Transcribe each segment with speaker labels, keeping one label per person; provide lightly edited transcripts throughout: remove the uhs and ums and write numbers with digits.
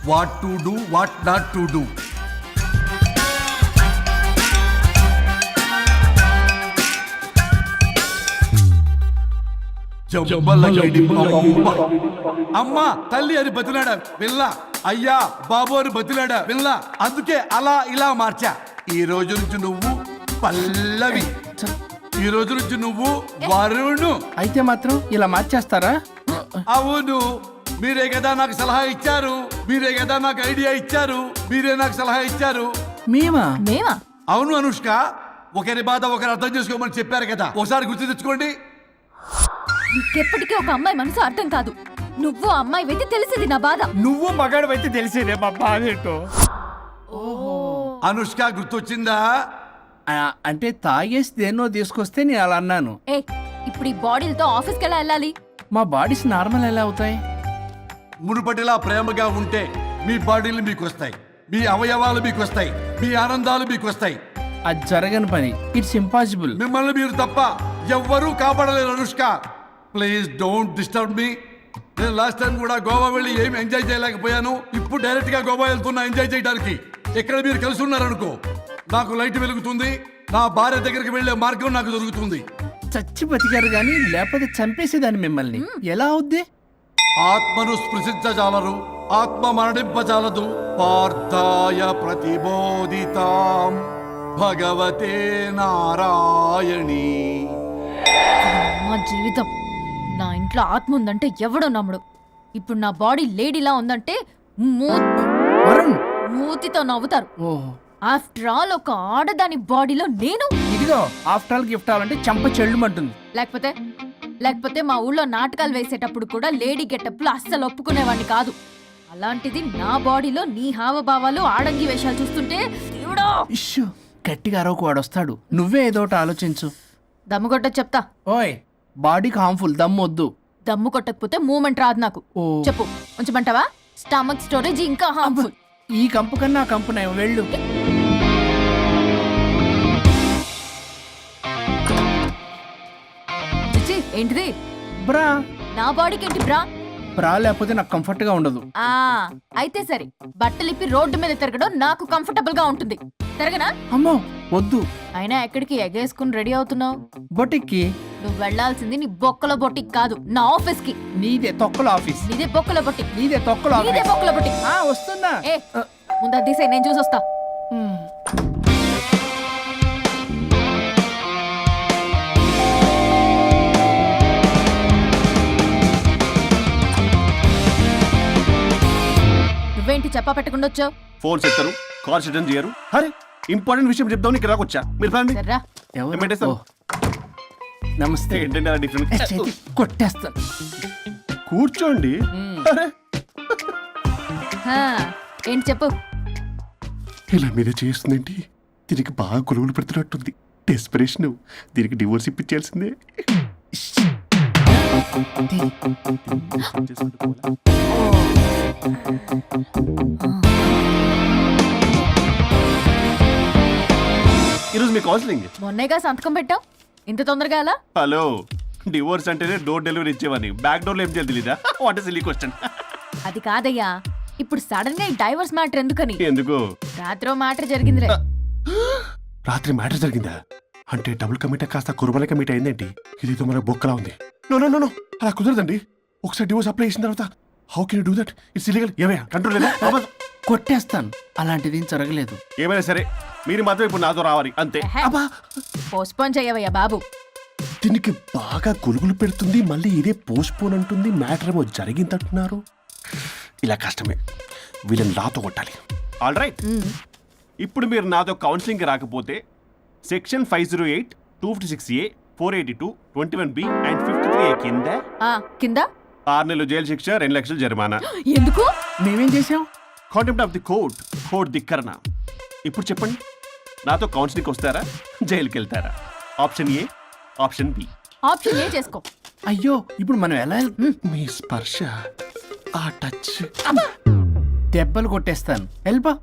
Speaker 1: What to do what not to do. అమ్మ తల్లి అని బతిలాడా పిల్ల, అయ్యా బాబు అని బతిలాడా పిల్ల. అందుకే అలా ఇలా మార్చా. ఈ రోజు నుంచి నువ్వు పల్లవి, ఈ రోజు నుంచి నువ్వు వరుణు.
Speaker 2: అయితే మాత్రం ఇలా మార్చేస్తారా?
Speaker 1: అవును, మీరే కదా నాకు సలహా ఇచ్చారు, మీరే కదా నాకు ఐడియా ఇచ్చారు, మీరే నాకు సలహా ఇచ్చారు.
Speaker 2: మేమా?
Speaker 1: అవును అనుష్క, ఒకరి బాధ ఒకరు అర్థం చేసుకోమని చెప్పారు కదా, ఒకసారి గుర్తు తెచ్చుకోండి.
Speaker 3: నీకెప్పటికీ ఒక అమ్మాయి మనసు అర్థం కాదు. నువ్వు అమ్మాయి అయితే తెలిసేది నా బాధ.
Speaker 2: నువ్వు మగాడు అయితే తెలిసేదే మా బాధ ఏంటో.
Speaker 1: అనుష్క గుర్తొచ్చిందా?
Speaker 2: అంటే తాగేసి దేన్నో తీసుకొస్తే నేను అలా అన్నాను.
Speaker 3: ఏ ఇప్పుడు ఈ బాడీలతో ఆఫీస్కి ఎలా వెళ్ళాలి?
Speaker 2: మా బాడీస్ నార్మల్ ఎలా అవుతాయి?
Speaker 1: మునుపటిలా ప్రేమగా ఉంటే మీ బాడీలు మీకు వస్తాయి, మీ అవయవాలు మీకు వస్తాయి, మీ ఆనందాలు మీకు వస్తాయి.
Speaker 2: అది జరగని పని. It's impossible.
Speaker 1: మిమ్మల్ని మీరు తప్ప ఎవ్వరూ కాపాడలేరు Anushka. Please don't disturb me. నేను లాస్ట్ టైం కూడా గోవా వెళ్ళి ఏమి ఎంజాయ్ చేయలేకపోయాను. ఇప్పుడు డైరెక్ట్ గా గోవా వెళ్తున్నా ఎంజాయ్ చేయడానికి. ఇక్కడ మీరు కలిసి ఉన్నారనుకో, నాకు లైట్ వెలుగుతుంది, నా భార్య దగ్గరికి వెళ్లే మార్గం నాకు దొరుకుతుంది.
Speaker 2: చచ్చి బతికారు గాని లేకపోతే చంపేసేదాన్ని మిమ్మల్ని. ఎలా అవుద్ది?
Speaker 1: ఆత్మను స్పృశించజాలరు, ఆత్మ మరణింపజాలదు. పార్థాయ ప్రతిబోధితాం భగవతే నారాయణి.
Speaker 3: మా జీవితం, నా ఇంట్లో ఆత్మ ఉందంటే ఎవడో నమ్ముడు. ఇప్పుడు నా బాడీ లేడీలా ఉందంటే
Speaker 2: వరుణ్,
Speaker 3: మూతితో నవ్వుతారు.
Speaker 2: ఓహో,
Speaker 3: ఆఫ్టర్ ఆల్ ఒక ఆడదాని బాడీలో నేను.
Speaker 2: ఇదిగో ఆఫ్టర్ ఆల్ గిఫ్ట్ అవ్వాలంటే చంప చెల్లుమంటుంది.
Speaker 3: లేకపోతే మా ఊళ్ళో నాటకాలు వేసేటప్పుడు కూడా లేడీ గెటప్లు అస్సలు ఒప్పుకునేవాడిని కాదు. అలాంటిది నా బాడీలో నీ హావభావాలు ఆడంగి వేషాలు చూస్తుంటే దేవుడా.
Speaker 2: ఇష్యూ, గట్టిగా అరవకు, వాడు వస్తాడు. నువ్వే ఏదో ఒకటి ఆలోచించు.
Speaker 3: దమ్ము కొట్ట చెప్తా.
Speaker 2: ఓయ్, బాడీకి హార్మ్ఫుల్, దమ్మొద్దు.
Speaker 3: దమ్ము కొట్టకపోతే మూమెంట్ రాదు నాకు.
Speaker 2: ఓ.
Speaker 3: చెప్పు, ఉంచమంటావా? స్టమక్ స్టోరేజ్ ఇంకా హార్మ్ఫుల్.
Speaker 2: ఈ కంపు కన్నా ఆ కంపు నయం, వెళ్ళు.
Speaker 3: చిచి, ఏంటిది?
Speaker 2: బ్రా.
Speaker 3: నా బాడీకి ఏంటి బ్రా?
Speaker 2: బ్రా లేకపోతే నాకు కంఫర్ట్ గా ఉండదు.
Speaker 3: ఆ అయితే సరే, బట్టలిప్పి రోడ్డు మీద తిరగడం నాకు కంఫర్టబుల్ గా ఉంటుంది. తిరగనా?
Speaker 2: అమ్మో వద్దు.
Speaker 3: అయినా ఎక్కడికి ఎగేసుకుని రెడీ అవుతున్నావు?
Speaker 2: బొటిక్కి.
Speaker 3: నువ్వు వెళ్లాల్సింది నీ బొక్కల బొట్టికి కాదు, నా ఆఫీస్ కి.
Speaker 2: నీదే తొక్కల ఆఫీస్.
Speaker 3: నీదే బొక్కల బొట్టి.
Speaker 2: నీదే తొక్కల
Speaker 3: నీదే
Speaker 2: ఆఫీస్.
Speaker 3: బొక్కల బొట్టి.
Speaker 2: వస్తున్నా.
Speaker 3: ఏ ముందు అది తీసేయ్, నేను చూసొస్తా. నువ్వేంటి చెప్పా పెట్టకుండా వచ్చావు?
Speaker 4: ఫోన్ చెప్తారు, కాల్ అటెండ్ చేయరు. అరే ఇంపార్టెంట్ విషయం చెప్దాం ఇక్కడ రాకొచ్చా. మీరు రండి.
Speaker 3: సర్రా.
Speaker 2: ఎవరు?
Speaker 4: ఏమంటేస్తావు?
Speaker 2: నమస్తే.
Speaker 4: ఏంటంటే అలా డిఫరెంట్.
Speaker 2: చేతి కొట్టేస్తాను.
Speaker 4: కూర్చోండి. అరే
Speaker 3: హా, ఏంటి చెప్పు.
Speaker 4: ఇలా మీరే చేస్తుందేంటి? దీనికి బాగా గొలుగులు పెడుతున్నట్టుంది. డెస్పిరేషన్. దీనికి డివోర్స్ ఇప్పించాల్సిందే. ఈరోజు మీ కౌన్సిలింగ్.
Speaker 3: మొన్నేగా సంతకం పెట్టావు, ఇంత తొందరగా అలా?
Speaker 4: హలో, డివోర్స్ అంటేనే డోర్ డెలివరీ ఇచ్చేవని, బ్యాక్ డోర్ లో ఏం చేయాలి తెలీదా? What is silly question.
Speaker 3: అది కాదయ్యా, ఇప్పుడు సడన్ గా ఈ డైవర్స్ మ్యాటర్ ఎందుకని?
Speaker 4: ఎందుకు?
Speaker 3: రాత్రో మ్యాటర్ జరిగిందిలే.
Speaker 4: రాత్రి మ్యాటర్ జరిగిందా? అంటే డబుల్ కమిట్ కాస్త కుర్బల కమిట్ అయిందేంటి? ఇదేదో మన బొక్కలా ఉంది. నో నో నో నో, అలా కుదరదండి. ఒకసారి డివోర్స్ అప్లై చేసిన తర్వాత how can you do that? It's illegal. ఏమయ్యా కంట్రోల్ లేదా?
Speaker 2: కొట్టేస్తాను. అలాంటిది ఏం జరగలేదు.
Speaker 4: ఏమైనా సరే మీరు మాత్రం ఇప్పుడు నాతో రావాలి అంతే. అబ్బా,
Speaker 3: పోస్ట్పోన్ చేయవయ్యా బాబు.
Speaker 4: దీనికి బాగా గొలుగులు పెడుతుంది, మళ్ళీ ఇదే పోస్ట్పోన్ అంటుంది. మ్యాటర్ ఏమో జరిగిందంటున్నారు. ఇలా కష్టమే. వీళ్ళని నాతో కొట్టాలి. ఆల్ రైట్, ఇప్పుడు మీరు నాతో కౌన్సిలింగ్కి రాకపోతే section 508, 256A, 482, 21B and 53A కింద
Speaker 3: కింద
Speaker 4: 6 నెలలు జైలు శిక్ష, 2 లక్షలు జరిమానా.
Speaker 3: ఎందుకు?
Speaker 2: మేమేం చేసాం?
Speaker 4: Contempt of the court, court ధిక్కరణ. ఇప్పుడు చెప్పండి, నాతో కౌన్సిలింగ్కి వస్తారా, జైలుకి వెళ్తారా? Option A, option B.
Speaker 3: Option A చేసుకో.
Speaker 2: అయ్యో, ఇప్పుడు మనం ఎలా
Speaker 4: మీ స్పర్శ, ఆ టచ్.
Speaker 2: దెబ్బలు కొట్టేస్తాను. వెళ్ళిపో.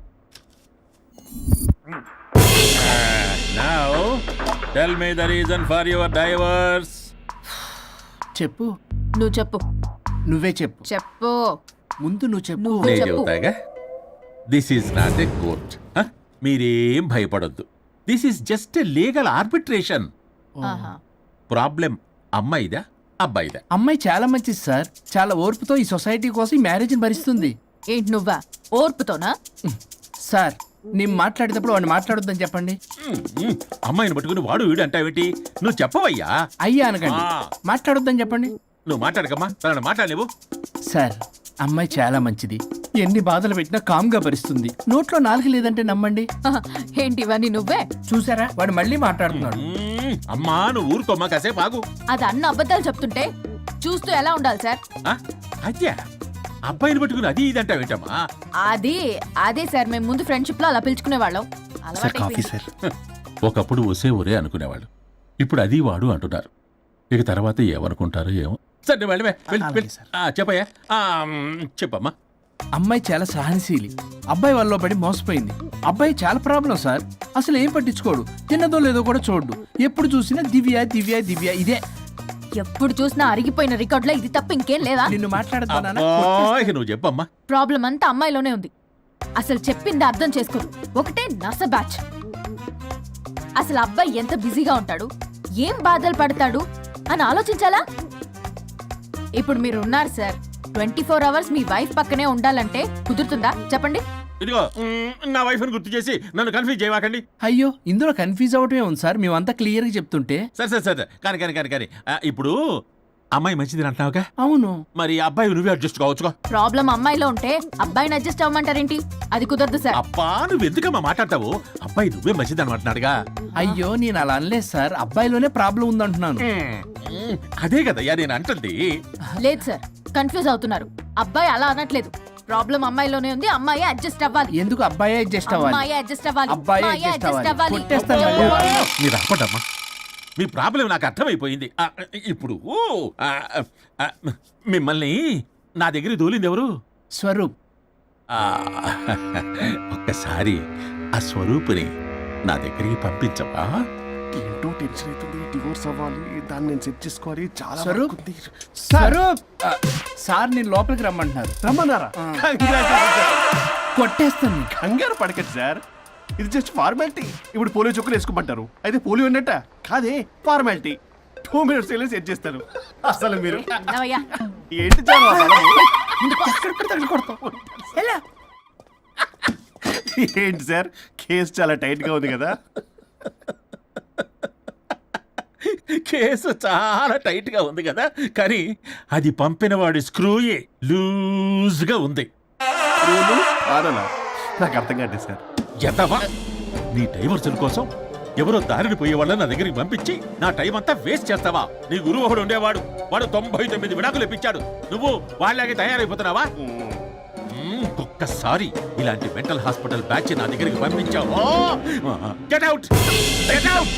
Speaker 5: Now, tell me the reason for your divorce.
Speaker 2: చెప్పు.
Speaker 3: నువ్వు చెప్పు.
Speaker 2: నువ్వే చెప్పు.
Speaker 3: చెప్పు.
Speaker 2: ముందు నువ్వు చెప్పు
Speaker 3: నువ్వు
Speaker 5: నేను
Speaker 3: చెప్పు.
Speaker 5: చెబుతాగా this is not a court. మీరేం భయపడొద్దు. This is just a legal arbitration.
Speaker 3: ఆహా.
Speaker 5: ప్రాబ్లం అమ్మాయిదా అబ్బాయిదా?
Speaker 2: అమ్మాయి చాలా మంచిది సార్. చాలా ఓర్పుతో ఈ సొసైటీ కోసం ఈ మ్యారేజ్ని భరిస్తుంది.
Speaker 3: ఏంటి నువ్వా ఓర్పుతోనా?
Speaker 2: సార్ నేను మాట్లాడేటప్పుడు వాడిని మాట్లాడొద్దని చెప్పండి.
Speaker 5: అమ్మాయిని పట్టుకుని వాడు వీడు అంటావేంటి? నువ్వు చెప్పవయ్యా.
Speaker 2: అయ్యా అనకండి.
Speaker 5: ఆ.
Speaker 2: మాట్లాడొద్దని చెప్పండి.
Speaker 5: నువ్వు మాట్లాడకమ్మా, తనని మాట్లాడలేవు.
Speaker 2: సార్ అమ్మాయి చాలా మంచిది. ఎన్ని బాధలు పెట్టినా కామ్గా భరిస్తుంది. నోట్లో నాలుగు లేదంటే నమ్మండి.
Speaker 3: ఆహా. ఏంటి ఇవన్నీ నువ్వే?
Speaker 2: చూసారా వాడు మళ్ళీ మాట్లాడుతున్నాడు.
Speaker 5: అమ్మా నువ్వు ఊరుకోమ్మా, కాసేపు ఆగు.
Speaker 3: అది అన్న అబద్ధాలు చెప్తుంటే చూస్తూ ఎలా ఉండాలి సార్?
Speaker 5: ఆ? అద్యా అబ్బాయిని పట్టుకుని అది ఇది అంటావేంటమ్మా?
Speaker 3: అదే సార్, మేము ముందు ఫ్రెండ్షిప్ లో అలా పిలుచుకునే వాళ్ళం.
Speaker 4: Sir coffee sir.
Speaker 5: ఒకప్పుడు ఒసే ఒరే అనుకునేవాళ్ళు, ఇప్పుడు అది వాడు అంటున్నారు. ఇక తర్వాత ఏమనుకుంటారో ఏమో. సరే వెళ్ళమే,
Speaker 2: అలాగే సార్.
Speaker 5: చెప్పయ్యా. చెప్పమ్మా.
Speaker 2: అమ్మాయి చాలా సహనశీలి. అబ్బాయి వల్ల పడి మోసపోయింది. అబ్బాయి చాలా ప్రాబ్లం సార్. అసలు ఏం పట్టించుకోడు. తిన్నదో లేదో కూడా చూడు. ఎప్పుడు చూసినా దివ్య దివ్య దివ్య ఇదే.
Speaker 3: ఎప్పుడు చూసినా అరిగిపోయిన రికార్డ్ లో ఇది తప్ప ఇంకేం లేదా?
Speaker 2: నిన్ను మాట్లాడతానా?
Speaker 5: అబ్బా, ఇక నువ్వు చెప్పమ్మా.
Speaker 3: ప్రాబ్లం అంతా అమ్మాయిలోనే ఉంది. అసలు చెప్పింది అర్థం చేసుకోదు. ఒకటే నస బ్యాచ్. అసలు అబ్బాయి ఎంత బిజీగా ఉంటాడు, ఏం బాధలు పడతాడు అని ఆలోచించాలా? ఇప్పుడు మీరు ఉన్నారు సార్, 24 hours మీ వైఫ్ పక్కనే ఉండాలంటే కుదురుతుందా చెప్పండి?
Speaker 5: ఇదిగో నా వైఫ్ ని గుర్తు చేసి నన్ను కన్ఫ్యూజ్ చేయవాకండి.
Speaker 2: అయ్యో ఇందులో కన్ఫ్యూజ్ అవటమే ఉంది సార్. మేమంతా క్లియర్ గా చెప్తుంటే.
Speaker 5: సరే కానీ ఇప్పుడు అమ్మాయి మంచిది అంటున్నావుగా,
Speaker 2: అవును.
Speaker 5: మరి అబ్బాయి నువ్వే అడ్జస్ట్ కావచ్చుగా.
Speaker 3: ప్రాబ్లం అమ్మాయిలో ఉంటే అబ్బాయిని అడ్జస్ట్ అవ్వమంటారేంటి? అది కుదరదు సార్.
Speaker 5: అబ్బా నువ్వు ఎందుకమ్మా మాట్లాడతావు? అబ్బాయి నువ్వే మంచిది అనమాటున్నాడుగా.
Speaker 2: అయ్యో నేను అలా అనలేదు సార్. అబ్బాయిలోనే ప్రాబ్లం ఉందంటున్నాను.
Speaker 5: అదే కదయ్యా నేను అంటుంది.
Speaker 3: లేదు సార్, కన్ఫ్యూజ్ అవుతున్నారు. అబ్బాయి అలా అనట్లేదు. ప్రాబ్లం అమ్మాయిలోనే ఉంది. అమ్మాయి అడ్జస్ట్ అవ్వాలి.
Speaker 2: ఎందుకు అబ్బాయి అడ్జస్ట్ అవ్వాలి?
Speaker 3: అమ్మాయి అడ్జస్ట్ అవ్వాలి.
Speaker 2: అబ్బాయి
Speaker 3: అమ్మాయి
Speaker 2: adjust
Speaker 3: adjust
Speaker 2: అవ్వాలి.
Speaker 3: అవ్వాలి.
Speaker 2: కొట్టేస్తాను మళ్ళీ.
Speaker 5: మీరు అప్పటమ్మా, మీ ప్రాబ్లం నాకు అర్థమైపోయింది. ఇప్పుడు మిమ్మల్ని నా దగ్గర దూలింది ఎవరు?
Speaker 2: స్వరూప్.
Speaker 5: ఆ, ఒక్కసారి ఆ స్వరూపుని నా దగ్గరికి పంపించవా?
Speaker 4: ఏంటో టెన్షన్ అవుతుంది. డివోర్స్ అవ్వాలి, దాన్ని నేను సెట్ చేసుకోవాలి. చాలా
Speaker 2: స్వరూప్.
Speaker 4: వర్క్ ఉంది.
Speaker 2: స్వరూప్ సార్ నేను లోపలికి రమ్మంటున్నారు.
Speaker 4: రమ్మన్నారా?
Speaker 2: కొట్టేస్తాను నీకు.
Speaker 4: కంగారు పడకండి సార్, ఇది జస్ట్ ఫార్మాలిటీ. ఇప్పుడు పోలియో చుక్కలు వేసుకోమంటారు, అయితే పోలియో ఉన్నట్ట కాదే, ఫార్మాలిటీ. 2 minutes సెట్ చేస్తాను. అసలు మీరు
Speaker 3: నవ్వయ్యా.
Speaker 4: ఏంటి చాలా
Speaker 2: ఎలా?
Speaker 4: ఏంటి సార్ కేసు చాలా టైట్ గా ఉంది కదా?
Speaker 5: కేసు చాలా టైట్ గా ఉంది కదా, కానీ అది పంపిన వాడి స్క్రూయే లూజ్ గా ఉంది.
Speaker 4: రూలు ఆడలా నాకు అర్థం కాదు సార్.
Speaker 5: ఎంతవా నీ డైవర్సన్ కోసం ఎవరో దారిని పోయే వాళ్ళని నా దగ్గరికి పంపించి నా టైం అంతా వేస్ట్ చేస్తావా? నీ గురువు ఒకడు ఉండేవాడు, వాడు 99 విడాకులు ఇప్పించాడు. నువ్వు వాళ్ళకి తయారైపోతున్నావా? ఒక్కసారి ఇలాంటి మెంటల్ హాస్పిటల్ బ్యాచ్ నా దగ్గరికి పంపించావు, get out, get out.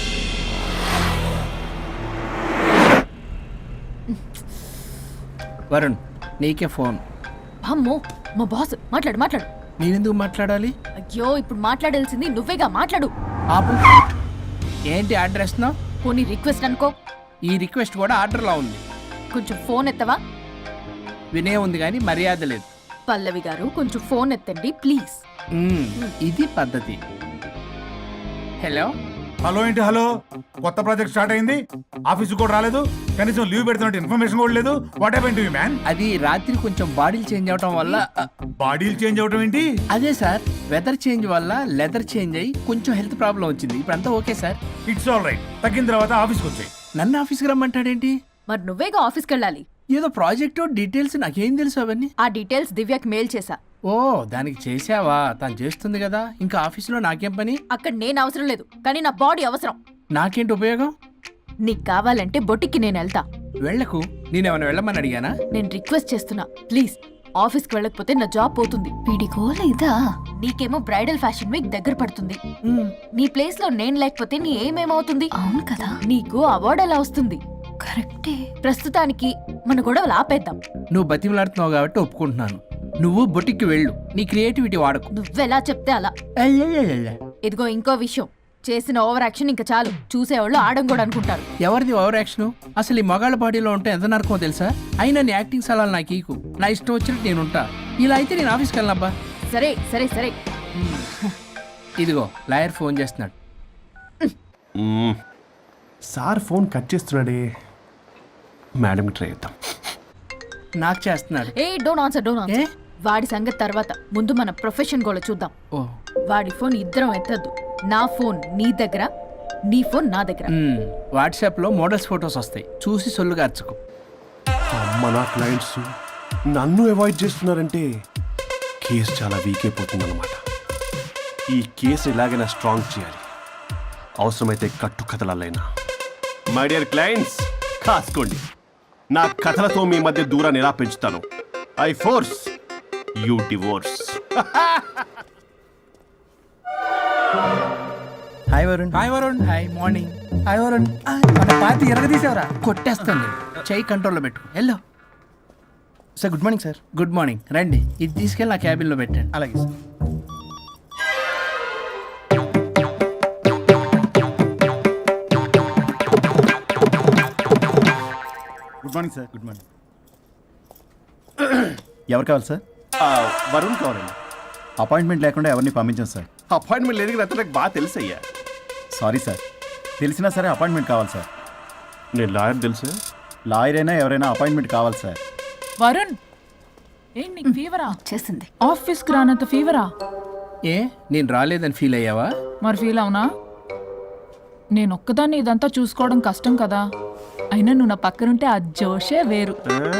Speaker 2: Varun నీకే ఫోన్.
Speaker 3: అమ్మో, మా బాస్. మాట్లాడు మాట్లాడు.
Speaker 2: నేనెందుకు మాట్లాడాలి?
Speaker 3: అయ్యో ఇప్పుడు మాట్లాడాల్సింది నువ్వేగా, మాట్లాడు.
Speaker 2: ఆపు. ఏంటి ఆర్డర్ ఇస్తున్నావు?
Speaker 3: పోనీ రిక్వెస్ట్ అనుకో.
Speaker 2: ఈ రిక్వెస్ట్ కూడా ఆర్డర్లో ఉంది.
Speaker 3: కొంచెం ఫోన్ ఎత్తవా?
Speaker 2: వినే ఉంది కానీ మర్యాద లేదు.
Speaker 3: పల్లవి గారు కొంచెం ఫోన్ ఎత్తండి ప్లీజ్.
Speaker 2: ఇది పద్ధతి. హలో.
Speaker 6: హలో ఏంటి హలో? కొత్త ప్రాజెక్ట్ స్టార్ట్ అయింది, ఆఫీస్ కూడా రాలేదు, కనీసం లీవ్ పెడుతున్నట్టు ఇన్ఫర్మేషన్ కూడా లేదు. What happened to you man?
Speaker 2: అది రాత్రి కొంచెం బాడీలు చేంజ్ అవటం వల్ల.
Speaker 6: బాడీలు చేంజ్ అవడం ఏంటి?
Speaker 2: అదే సార్, వెదర్ చేంజ్ వల్ల లెదర్ చేంజ్ అయ్యి కొంచెం హెల్త్ ప్రాబ్లం వచ్చింది. ఇప్పుడు అంతా okay sir.
Speaker 6: It's all right. తగ్గిన తర్వాత ఆఫీస్కి వచ్చాయి.
Speaker 2: నన్ను ఆఫీస్కి రమ్మంటాడేంటి?
Speaker 3: మరి నువ్వేగా ఆఫీస్కి వెళ్ళాలి.
Speaker 2: ఏదో ప్రాజెక్టు డీటెయిల్స్ నాకేం తెలుసు అవన్నీ.
Speaker 3: ఆ డీటెయిల్స్ దివ్యకి మెయిల్ చేశా.
Speaker 2: ఓ దానికి చేసావా? తను చేస్తుంది కదా, ఇంకా ఆఫీసులో నాకేం పని?
Speaker 3: అక్కడ నేను అవసరం లేదు, కానీ నా బాడీ అవసరం.
Speaker 2: నాకేంటి ఉపయోగం?
Speaker 3: నీకు కావాలంటే బొటిక్కి నేను వెళ్తా.
Speaker 2: వెళ్ళకు. నేనేమైనా వెళ్ళమని అడిగానా?
Speaker 3: నేను రిక్వెస్ట్ చేస్తున్నా ప్లీజ్. ఆఫీస్కి వెళ్ళకపోతే నా జాబ్ పోతుంది. వీడికోల ఇదా? నీకేమో బ్రైడల్ ఫ్యాషన్ వీక్ దగ్గర పడుతుంది. నీ ప్లేస్ లో నేను లేకపోతే నీ ఏమేమవుతుంది? అవును కదా. నీకు అవార్డు ఎలా వస్తుంది? కరెక్టే. ప్రస్తుతానికి మన గొడవలు ఆపేద్దాం.
Speaker 2: నువ్వు బతిమలాడుతున్నావు కాబట్టి ఒప్పుకుంటున్నాను. నువ్వు బొటిక్కి వెళ్ళు, నీ క్రియేటివిటీ వాడకు.
Speaker 3: నువ్వెలా చెప్తే అలా. ఇదిగో ఇంకో విషయం, చేసిన ఓవర్ యాక్షన్ ఇంకా చాలు. చూసేవాళ్ళు ఆడం కూడా అనుకుంటారు.
Speaker 2: ఎవరిది ఓవర్ యాక్షన్? అసలు ఈ మగాళ్ళ బాడీలో ఉంటే ఎంత నరకమో తెలుసా? అయినా నీ యాక్టింగ్ సలాలు నాకు ఈకు. నా ఇష్టం వచ్చినట్టు నేనుంటా. ఇలా అయితే నేను ఆఫీస్కి వెళ్ళనబ్బా.
Speaker 3: సరే సరే సరే.
Speaker 2: ఇదిగో లాయర్ ఫోన్ చేస్తున్నాడు.
Speaker 4: సార్ ఫోన్ కట్ చేస్తున్నాడే. మేడంకి ట్రై చేద్దాం.
Speaker 2: నాకు చేస్తున్నాడు.
Speaker 3: ఏ డోంట్ ఆన్సర్
Speaker 2: ఏ?
Speaker 3: వాడి సంగతి తర్వాత, ముందు మన ప్రొఫెషన్ కూడా చూద్దాం.
Speaker 2: ఓ
Speaker 3: వాడి ఫోన్ ఇద్దరం ఎత్తద్దు. నా ఫోన్ నీ దగ్గర, నీ ఫోన్ నా దగ్గర.
Speaker 2: వాట్సాప్లో మోడల్స్ ఫొటోస్ వస్తాయి, చూసి సొల్లుగా అర్చుకో.
Speaker 4: అమ్మ నా క్లయింట్స్ నన్ను అవాయిడ్ చేస్తున్నారంటే కేసు చాలా వీక్ అయిపోతుంది అనమాట. ఈ కేసు ఎలాగైనా స్ట్రాంగ్ చేయాలి, అవసరమైతే కట్టు కథలైనా. మై డియర్ క్లయింట్స్, కాసుకోండి. నా కథలతో మీ మధ్య దూరాన్ని ఎలా పెంచుతాను. I force you divorce.
Speaker 7: Hi Varun.
Speaker 2: Hi Varun. Hi morning.
Speaker 7: Hi Varun. మన పార్టీ ఎరగదీసావరా?
Speaker 2: కొట్టేస్తాను నేను. చెయ్యి కంట్రోల్లో పెట్టు. Hello
Speaker 7: sir good morning sir.
Speaker 2: Good morning. రండి, ఇది తీసుకెళ్ళి నా క్యాబిన్లో పెట్టండి.
Speaker 7: అలాగే sir. Good morning sir. Good morning. ఎవరు కావాలి సార్?
Speaker 4: వరుణ్ కావాలండి.
Speaker 7: అపాయింట్మెంట్ లేకుండా ఎవరిని పంపించాం సార్.
Speaker 4: అపాయింట్మెంట్ లేదు కదా, నాకు బాగా తెలుసు అయ్యా.
Speaker 7: సారీ సార్, తెలిసినా సరే అపాయింట్మెంట్ కావాలి సార్.
Speaker 4: నేను లాయర్ తెలుసు.
Speaker 7: లాయర్ అయినా ఎవరైనా అపాయింట్మెంట్ కావాలి సార్.
Speaker 8: వరుణ్, ఏంటి నీకు ఫీవరా?
Speaker 3: చేసింది.
Speaker 8: ఆఫీస్కి రానంత ఫీవరా?
Speaker 2: ఏ నేను రాలేదని ఫీల్ అయ్యావా?
Speaker 8: మరి ఫీల్ అవునా? నేను ఒక్కదాన్ని ఇదంతా చూసుకోవడం కష్టం కదా. అయినా నువ్వు నా పక్కనుంటే ఆ జోషే వేరు.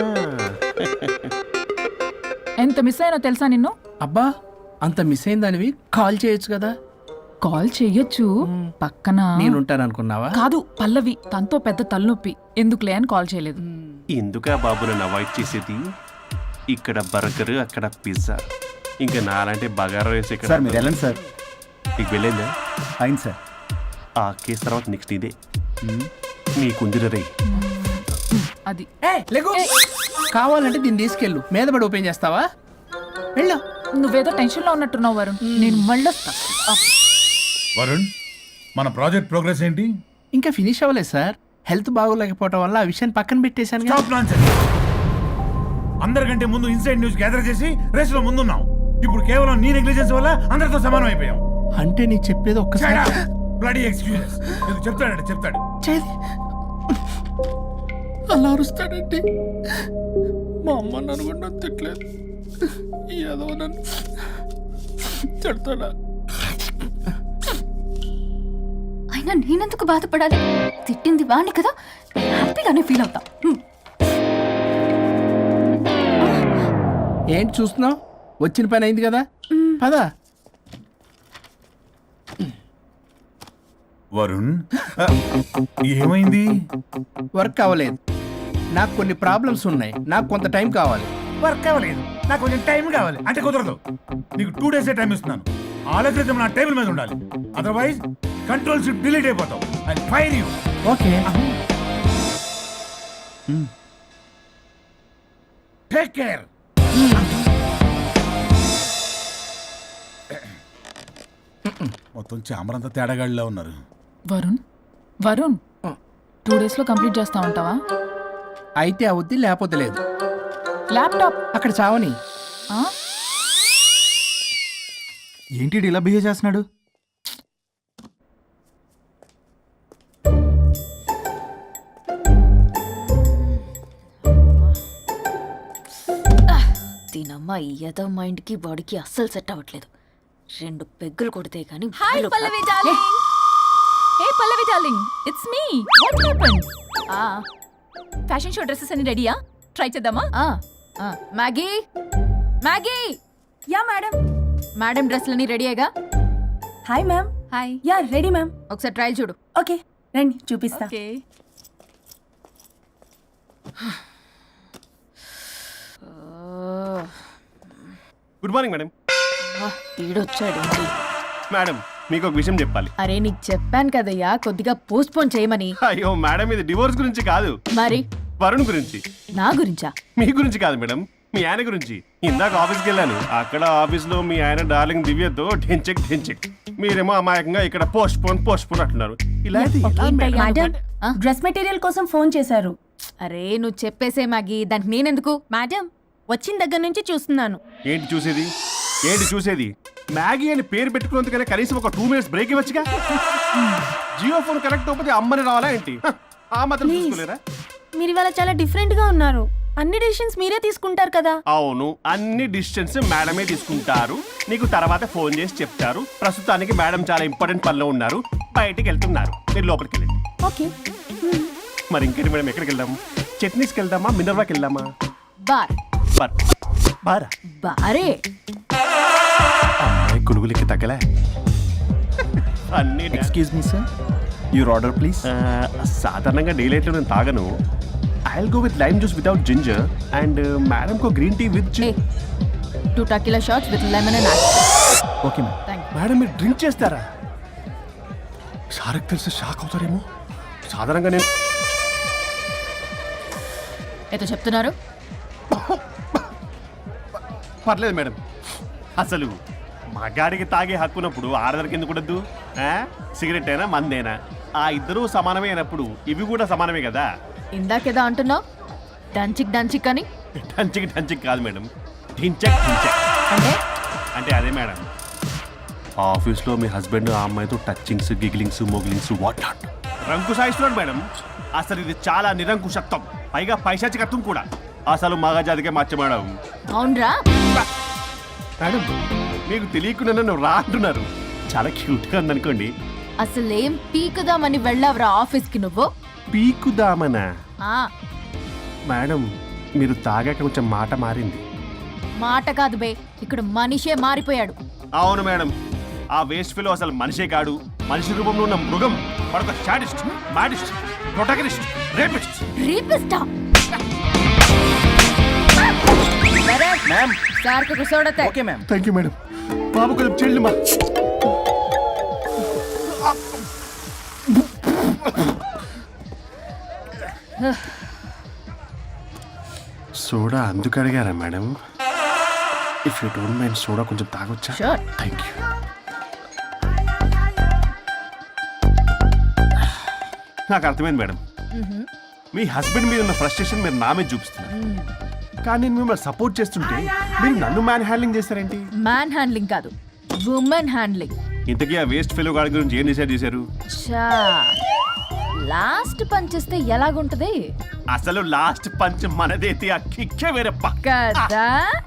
Speaker 8: ఎంత మిస్ అయినా తెలుసా నిన్ను?
Speaker 2: అబ్బా, అంత మిస్ అయిందానివి కాల్ చేయొచ్చు కదా.
Speaker 8: కాల్ చెయ్యొచ్చు, పక్కన
Speaker 2: నేనుంటాను అనుకున్నావా?
Speaker 8: కాదు, పల్లవి తనతో పెద్ద తలనొప్పి, ఎందుకులే అని కాల్ చేయలేదు.
Speaker 4: ఎందుకా బాబు నన్ను అవాయిడ్ చేసేది? ఇక్కడ బర్గర్, అక్కడ పిజ్జా, ఇంకా నాలంటే బగారా వేసి ఇక్కడ.
Speaker 7: సార్ మీరు వెళ్ళండి సార్.
Speaker 4: నీకు వెళ్ళిందా?
Speaker 7: అయింది సార్.
Speaker 4: ఆ కేసు తర్వాత నెక్స్ట్ ఇదే నీకుందిర రే.
Speaker 8: అది
Speaker 2: కావాలంటే దీన్ని తీసుకెళ్ళు, మీద పడి ఓపెన్ చేస్తావా? వెళ్ళు.
Speaker 8: నువ్వేదో టెన్షన్లో ఉన్నట్టున్నావు వరుణ్. నేను మళ్ళొస్తా.
Speaker 6: వరుణ్, మన ప్రాజెక్ట్ ప్రోగ్రెస్ ఏంటి?
Speaker 2: ఇంకా ఫినిష్ అవ్వలేదు సార్. హెల్త్ బాగోలేకపోవడం వల్ల ఆ విషయాన్ని పక్కన పెట్టేశాను.
Speaker 6: Stop nonsense. అందరికంటే ముందు ఇన్సైడ్ న్యూస్ గ్యాదర్ చేసి రేస్ లో ముందున్నాం. ఇప్పుడు కేవలం నీ నెగ్లిజెన్స్ వల్ల అందరితో సమానం అయిపోయాం.
Speaker 2: అంటే నీకు చెప్పేది ఒక్కసారి
Speaker 6: బ్లడీ ఎక్స్క్యూజెస్. చెప్తాడంటే చెప్తాడు.
Speaker 2: చేది అలా అరుస్తాడంటే మా అమ్మ నన్ను కూడా నన్ను తిట్టలేదు, ఏదో నన్ను తిడతాడా?
Speaker 3: అయినా నేనెందుకు బాధపడాలి? తిట్టింది వాణ్ణి కదా, హ్యాపీగానే ఫీల్ అవుతా.
Speaker 2: ఏంటి చూస్తున్నావు? వచ్చిన పని అయింది కదా, పదా.
Speaker 6: వరుణ్, ఏమైంది?
Speaker 2: వర్క్ అవ్వలేదు. నాకు కొన్ని ప్రాబ్లమ్స్ ఉన్నాయి, నాకు కొంత టైం కావాలి.
Speaker 6: వర్క్ అవ్వలేదు, నాకు కొంచెం టైం కావాలి అంటే కుదరదు. నీకు 2 days టైం ఇస్తున్నాను. ఆలోచించడం నా టేబుల్ మీద ఉండాలి. అదర్వైజ్ కంట్రోల్ షిప్ డిలీట్ అయిపోతావు. I fire you.
Speaker 2: Okay.
Speaker 6: Take care. మొత్తం చామరంతా తేడాగాడిలా ఉన్నారు.
Speaker 8: వరుణ్, వరుణ్, 2 daysలో కంప్లీట్ చేస్తా ఉంటావా?
Speaker 2: అయితే అవుద్ది, లేకపోతే లేదు.
Speaker 8: ల్యాప్టాప్
Speaker 2: అక్కడ చావని.
Speaker 8: ఆ?
Speaker 7: ఏంటి ఇలా బిహేవ్ చేస్తున్నాడు?
Speaker 3: దీనమ్మ ఈ యదో మైండ్కి బాడీకి అస్సలు సెట్ అవ్వట్లేదు. 2 పెగ్గులు కొడితే కానీ.
Speaker 8: Hi Pallavi darling. Hey Pallavi darling, it's me. What happened? Fashion show dresses అన్ని రెడీయా? ట్రై చేద్దామా?
Speaker 3: Maggie, Maggie.
Speaker 9: Yeah madam.
Speaker 3: Madam డ్రెస్లన్నీ రెడీయేగా?
Speaker 9: Hi ma'am.
Speaker 8: Hi.
Speaker 9: Yeah ready ma'am.
Speaker 3: ఒకసారి ట్రయల్ చూడు.
Speaker 9: ఓకే రండి చూపిస్తా.
Speaker 8: ఓకే.
Speaker 4: Good morning madam.
Speaker 3: వీడొచ్చాడు.
Speaker 4: మేడం, మీకు ఒక విషయం చెప్పాలి.
Speaker 3: అరే నీకు చెప్పాను కదయ్యా కొద్దిగా పోస్ట్ పోన్ చేయమని.
Speaker 4: అయ్యో మేడం, ఇది డివోర్స్ గురించి కాదు,
Speaker 3: మరి
Speaker 4: వరుణ్ గురించి.
Speaker 3: నా గురించా?
Speaker 4: మీ గురించి కాదు మేడం, మీ ఆయన గురించి. ఇందాక ఆఫీస్కి వెళ్ళాను. అక్కడ ఆఫీస్లో మీ ఆయన డార్లింగ్ దివ్యతో ఢెంచెక్ ఢెంచెక్, మీరేమో అమాయకంగా ఇక్కడ పోస్ట్ పోన్ అంటున్నారు. ఇలా అయితే ఎలా మేడం?
Speaker 9: మేడం డ్రెస్ మెటీరియల్ కోసం ఫోన్ చేశారు.
Speaker 3: అరే నువ్వు చెప్పేసే మ్యాగీ, దానికి నేనెందుకు?
Speaker 9: మేడం వచ్చిన దగ్గర నుంచి చూస్తున్నాను.
Speaker 4: ఏంటి చూసేది? ఏంటి చూసేది? మ్యాగీ అని పేరు పెట్టుకున్నందుకనే కనీసం ఒక 2 minutes బ్రేక్ ఇవ్వచ్చుగా. జియో ఫోన్ కనెక్ట్ అవ్వకపోతే అమ్మని రావాలా ఏంటి? ఆ మాత్రం
Speaker 9: Please.
Speaker 4: చూసుకోలేరా?
Speaker 9: మీరు ఇవాళ చాలా డిఫరెంట్ గా ఉన్నారు. అన్ని డెసిషన్స్ మీరే తీసుకుంటారు కదా.
Speaker 4: అవును, అన్ని డిస్టెన్స్ మేడమే తీసుకుంటారు. నీకు తర్వాత ఫోన్ చేసి చెప్తారు. ప్రస్తుతానికి మేడం చాలా ఇంపార్టెంట్ పనిలో ఉన్నారు, బయటికి వెళ్తున్నారు. మీరు లోపలికి వెళ్ళండి.
Speaker 9: ఓకే.
Speaker 4: మరి ఇంకేంటి మేడం, ఎక్కడికి వెళ్దాం? చట్నీస్కి వెళ్దామా, మినర్వాకి వెళ్దామా?
Speaker 3: Bar
Speaker 4: bar. బారా?
Speaker 3: బారే
Speaker 4: అమ్మాయి కొనుగోలుకి తగ్గలే. అన్ని
Speaker 7: excuse me sir, your order please.
Speaker 4: సాధారణంగా డే లైట్లో నేను తాగను. I go with lime juice without ginger and madam కో green tea with
Speaker 3: a 2 tequila shots with lemon and ice.
Speaker 7: Okay ma'am.
Speaker 3: Thank you.
Speaker 4: Madam మీరు డ్రింక్ చేస్తారా? సార్కి తెలిసి షాక్ అవుతారేమో. సాధారణంగా నేను
Speaker 3: ఏదో చెప్తున్నారు?
Speaker 4: పర్లేదు మేడం. అసలు మగాడికి తాగే హక్కున్నప్పుడు ఆడదరికి ఎందుకు ఉండద్దు? సిగరెట్ అయినా మందేనా ఆ ఇద్దరూ సమానమే అయినప్పుడు ఇవి కూడా సమానమే కదా.
Speaker 3: ఇందాకేదో అంటున్నావు, డంచిక్ డంచిక్ అని.
Speaker 4: టంచిక్ టంచిక్ కాదు మేడం, ఢించక్ ఢించక్.
Speaker 3: అంటే
Speaker 4: అంటే అదే మేడం, ఆఫీస్లో మీ హస్బెండ్ ఆ అమ్మాయితో టచ్చింగ్స్, గిగ్లింగ్స్, మోగ్లింగ్స్ వాట్ నాట్ రంకు సాయిస్తున్నాడు మేడం. అసలు ఇది చాలా నిరంకుశత్వం, పైగా పైశాచికత్వం కూడా. అసలు మగజాతికే మచ్చ మేడం.
Speaker 3: అవునరా?
Speaker 4: మేడం మీకు తెలియకుండా నన్ను రా అంటున్నారు. చాలా క్యూట్గా ఉందనుకోండి.
Speaker 3: అసలేం పీకుదామని వెళ్ళావురా ఆఫీస్కి నువ్వు?
Speaker 4: పీకుదామనా?
Speaker 3: ఆ
Speaker 4: మేడం మీరు తాగాక కొంచెం మాట మారింది.
Speaker 3: మాట కాదు బే, ఇక్కడ మనిషే మారిపోయాడు.
Speaker 4: అవును మేడం, ఆ వేస్ట్ ఫెలో అసలు మనిషే కాడు, మనిషి రూపంలో ఉన్న మృగం. మరొక షాడిస్ట్, మాడిస్ట్, ప్రొటగనిస్ట్, రేపిస్ట్.
Speaker 3: రీపిస్టా
Speaker 7: మ్యామ్.
Speaker 3: సార్కి కూర్చోడతే.
Speaker 7: Okay ma'am.
Speaker 4: Thank you madam. బాబు కొంచెం చెల్లిమా. సోడా అందుకు అడిగారా madam? If you don't mind soda కొంచెం తాగొచ్చా?
Speaker 3: Sure.
Speaker 4: Thank you. నాకు అర్థమైంది మేడం, మీ హస్బెండ్ మీద ఉన్న ఫ్రస్ట్రేషన్ మీరు నా మీద చూపిస్తున్నారు. కానీ నేను మిమ్మల్ని సపోర్ట్ చేస్తుంటే మీరు నన్ను మ్యాన్ హ్యాండ్లింగ్ చేస్తారేంటి?
Speaker 3: మ్యాన్ హ్యాండ్లింగ్ కాదు, ఉమెన్ హ్యాండ్లింగ్.
Speaker 4: ఇంతకీ ఆ వేస్ట్ ఫెలో గాడి గురించి ఏం డిసైడ్ చేశారు?
Speaker 3: చా లాస్ట్ పంచేస్తే ఎలాగుంటది
Speaker 4: అసలు లాస్ట్ పంచ్ మనదైతే ఆ కిక్కే వేరప్ప.
Speaker 3: కదా?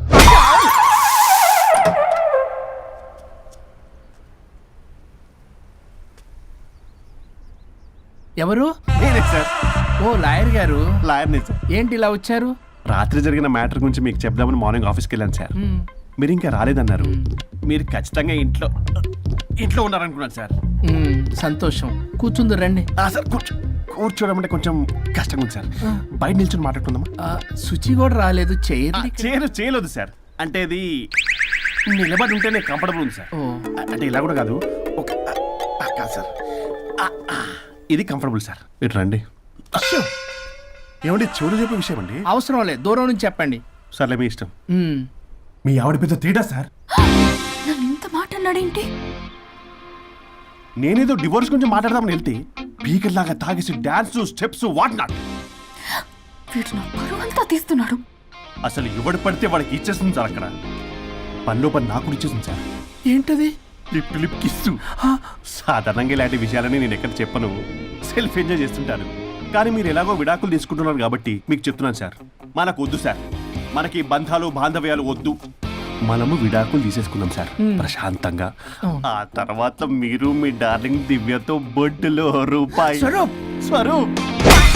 Speaker 2: ఎవరు?
Speaker 4: నేనే సార్,
Speaker 2: ఓ లాయర్ గారు.
Speaker 4: లాయర్నే సార్.
Speaker 2: ఏంటి ఇలా వచ్చారు?
Speaker 4: రాత్రి జరిగిన మ్యాటర్ గురించి మీకు చెప్దామని మార్నింగ్ ఆఫీస్కి వెళ్ళాను సార్. మీరు ఇంకా రాలేదన్నారు. మీరు ఖచ్చితంగా ఇంట్లో ఉన్నారనుకున్నాను సార్.
Speaker 2: సంతోషం, కూర్చుందు రండి.
Speaker 4: సార్ కూర్చోవడం అంటే కొంచెం కష్టంగా ఉంది సార్. బయట నిల్చొని మాట్లాడుకుందామా?
Speaker 2: శుచి కూడా రాలేదు,
Speaker 4: చేయలేదు సార్. అంటే ఇది నిలబడి ఉంటేనే కంఫర్టబుల్ ఉంది సార్.
Speaker 2: ఓ.
Speaker 4: అంటే ఇలా కూడా కాదు, ఒక కాదు సార్, ఇది కంఫర్టబుల్ సార్. మీరు రండి. ఏమండి చెవులు చెప్పే విషయం అండి?
Speaker 2: అవసరం లేదు, దూరం నుంచి చెప్పండి.
Speaker 4: సర్లే మీ ఇష్టం.
Speaker 2: మ్మ్.
Speaker 6: మీ ఆవిడ పెద్ద తేడా సార్.
Speaker 3: నన్ను ఇంత మాట అన్నాడేంటి?
Speaker 4: నేనేదో డివోర్స్ గురించి మాట్లాడదామని వెళ్తే పీకర్ లాగా తాగేసి డాన్స్, స్టెప్స్ వాట్ నాట్.
Speaker 3: వీడు నా పరువంతా తీస్తున్నాడు.
Speaker 4: అసలు ఎవడు పడితే వాడికి ఇచ్చేస్తుంది సార్. అక్కడ పనిలో పని నాకు కూడా ఇచ్చేసింది సార్.
Speaker 2: ఏంటది?
Speaker 4: Lip to lip kiss. సాధారణంగా ఇలాంటి విషయాలని నేను ఎక్కడ చెప్పను, సెల్ఫ్ ఎంజాయ్ చేస్తుంటాను. కానీ మీరు ఎలాగో విడాకులు తీసుకుంటున్నారు కాబట్టి మీకు చెప్తున్నాను సార్, మనకు వద్దు సార్. మనకి బంధాలు బాంధవ్యాలు వద్దు. మనము విడాకులు తీసేసుకుందాం సార్ ప్రశాంతంగా. ఆ తర్వాత మీరు మీ డార్లింగ్ దివ్యతో బొడ్డులో రూపాయి.
Speaker 2: స్వరూప్.
Speaker 4: స్వరూప్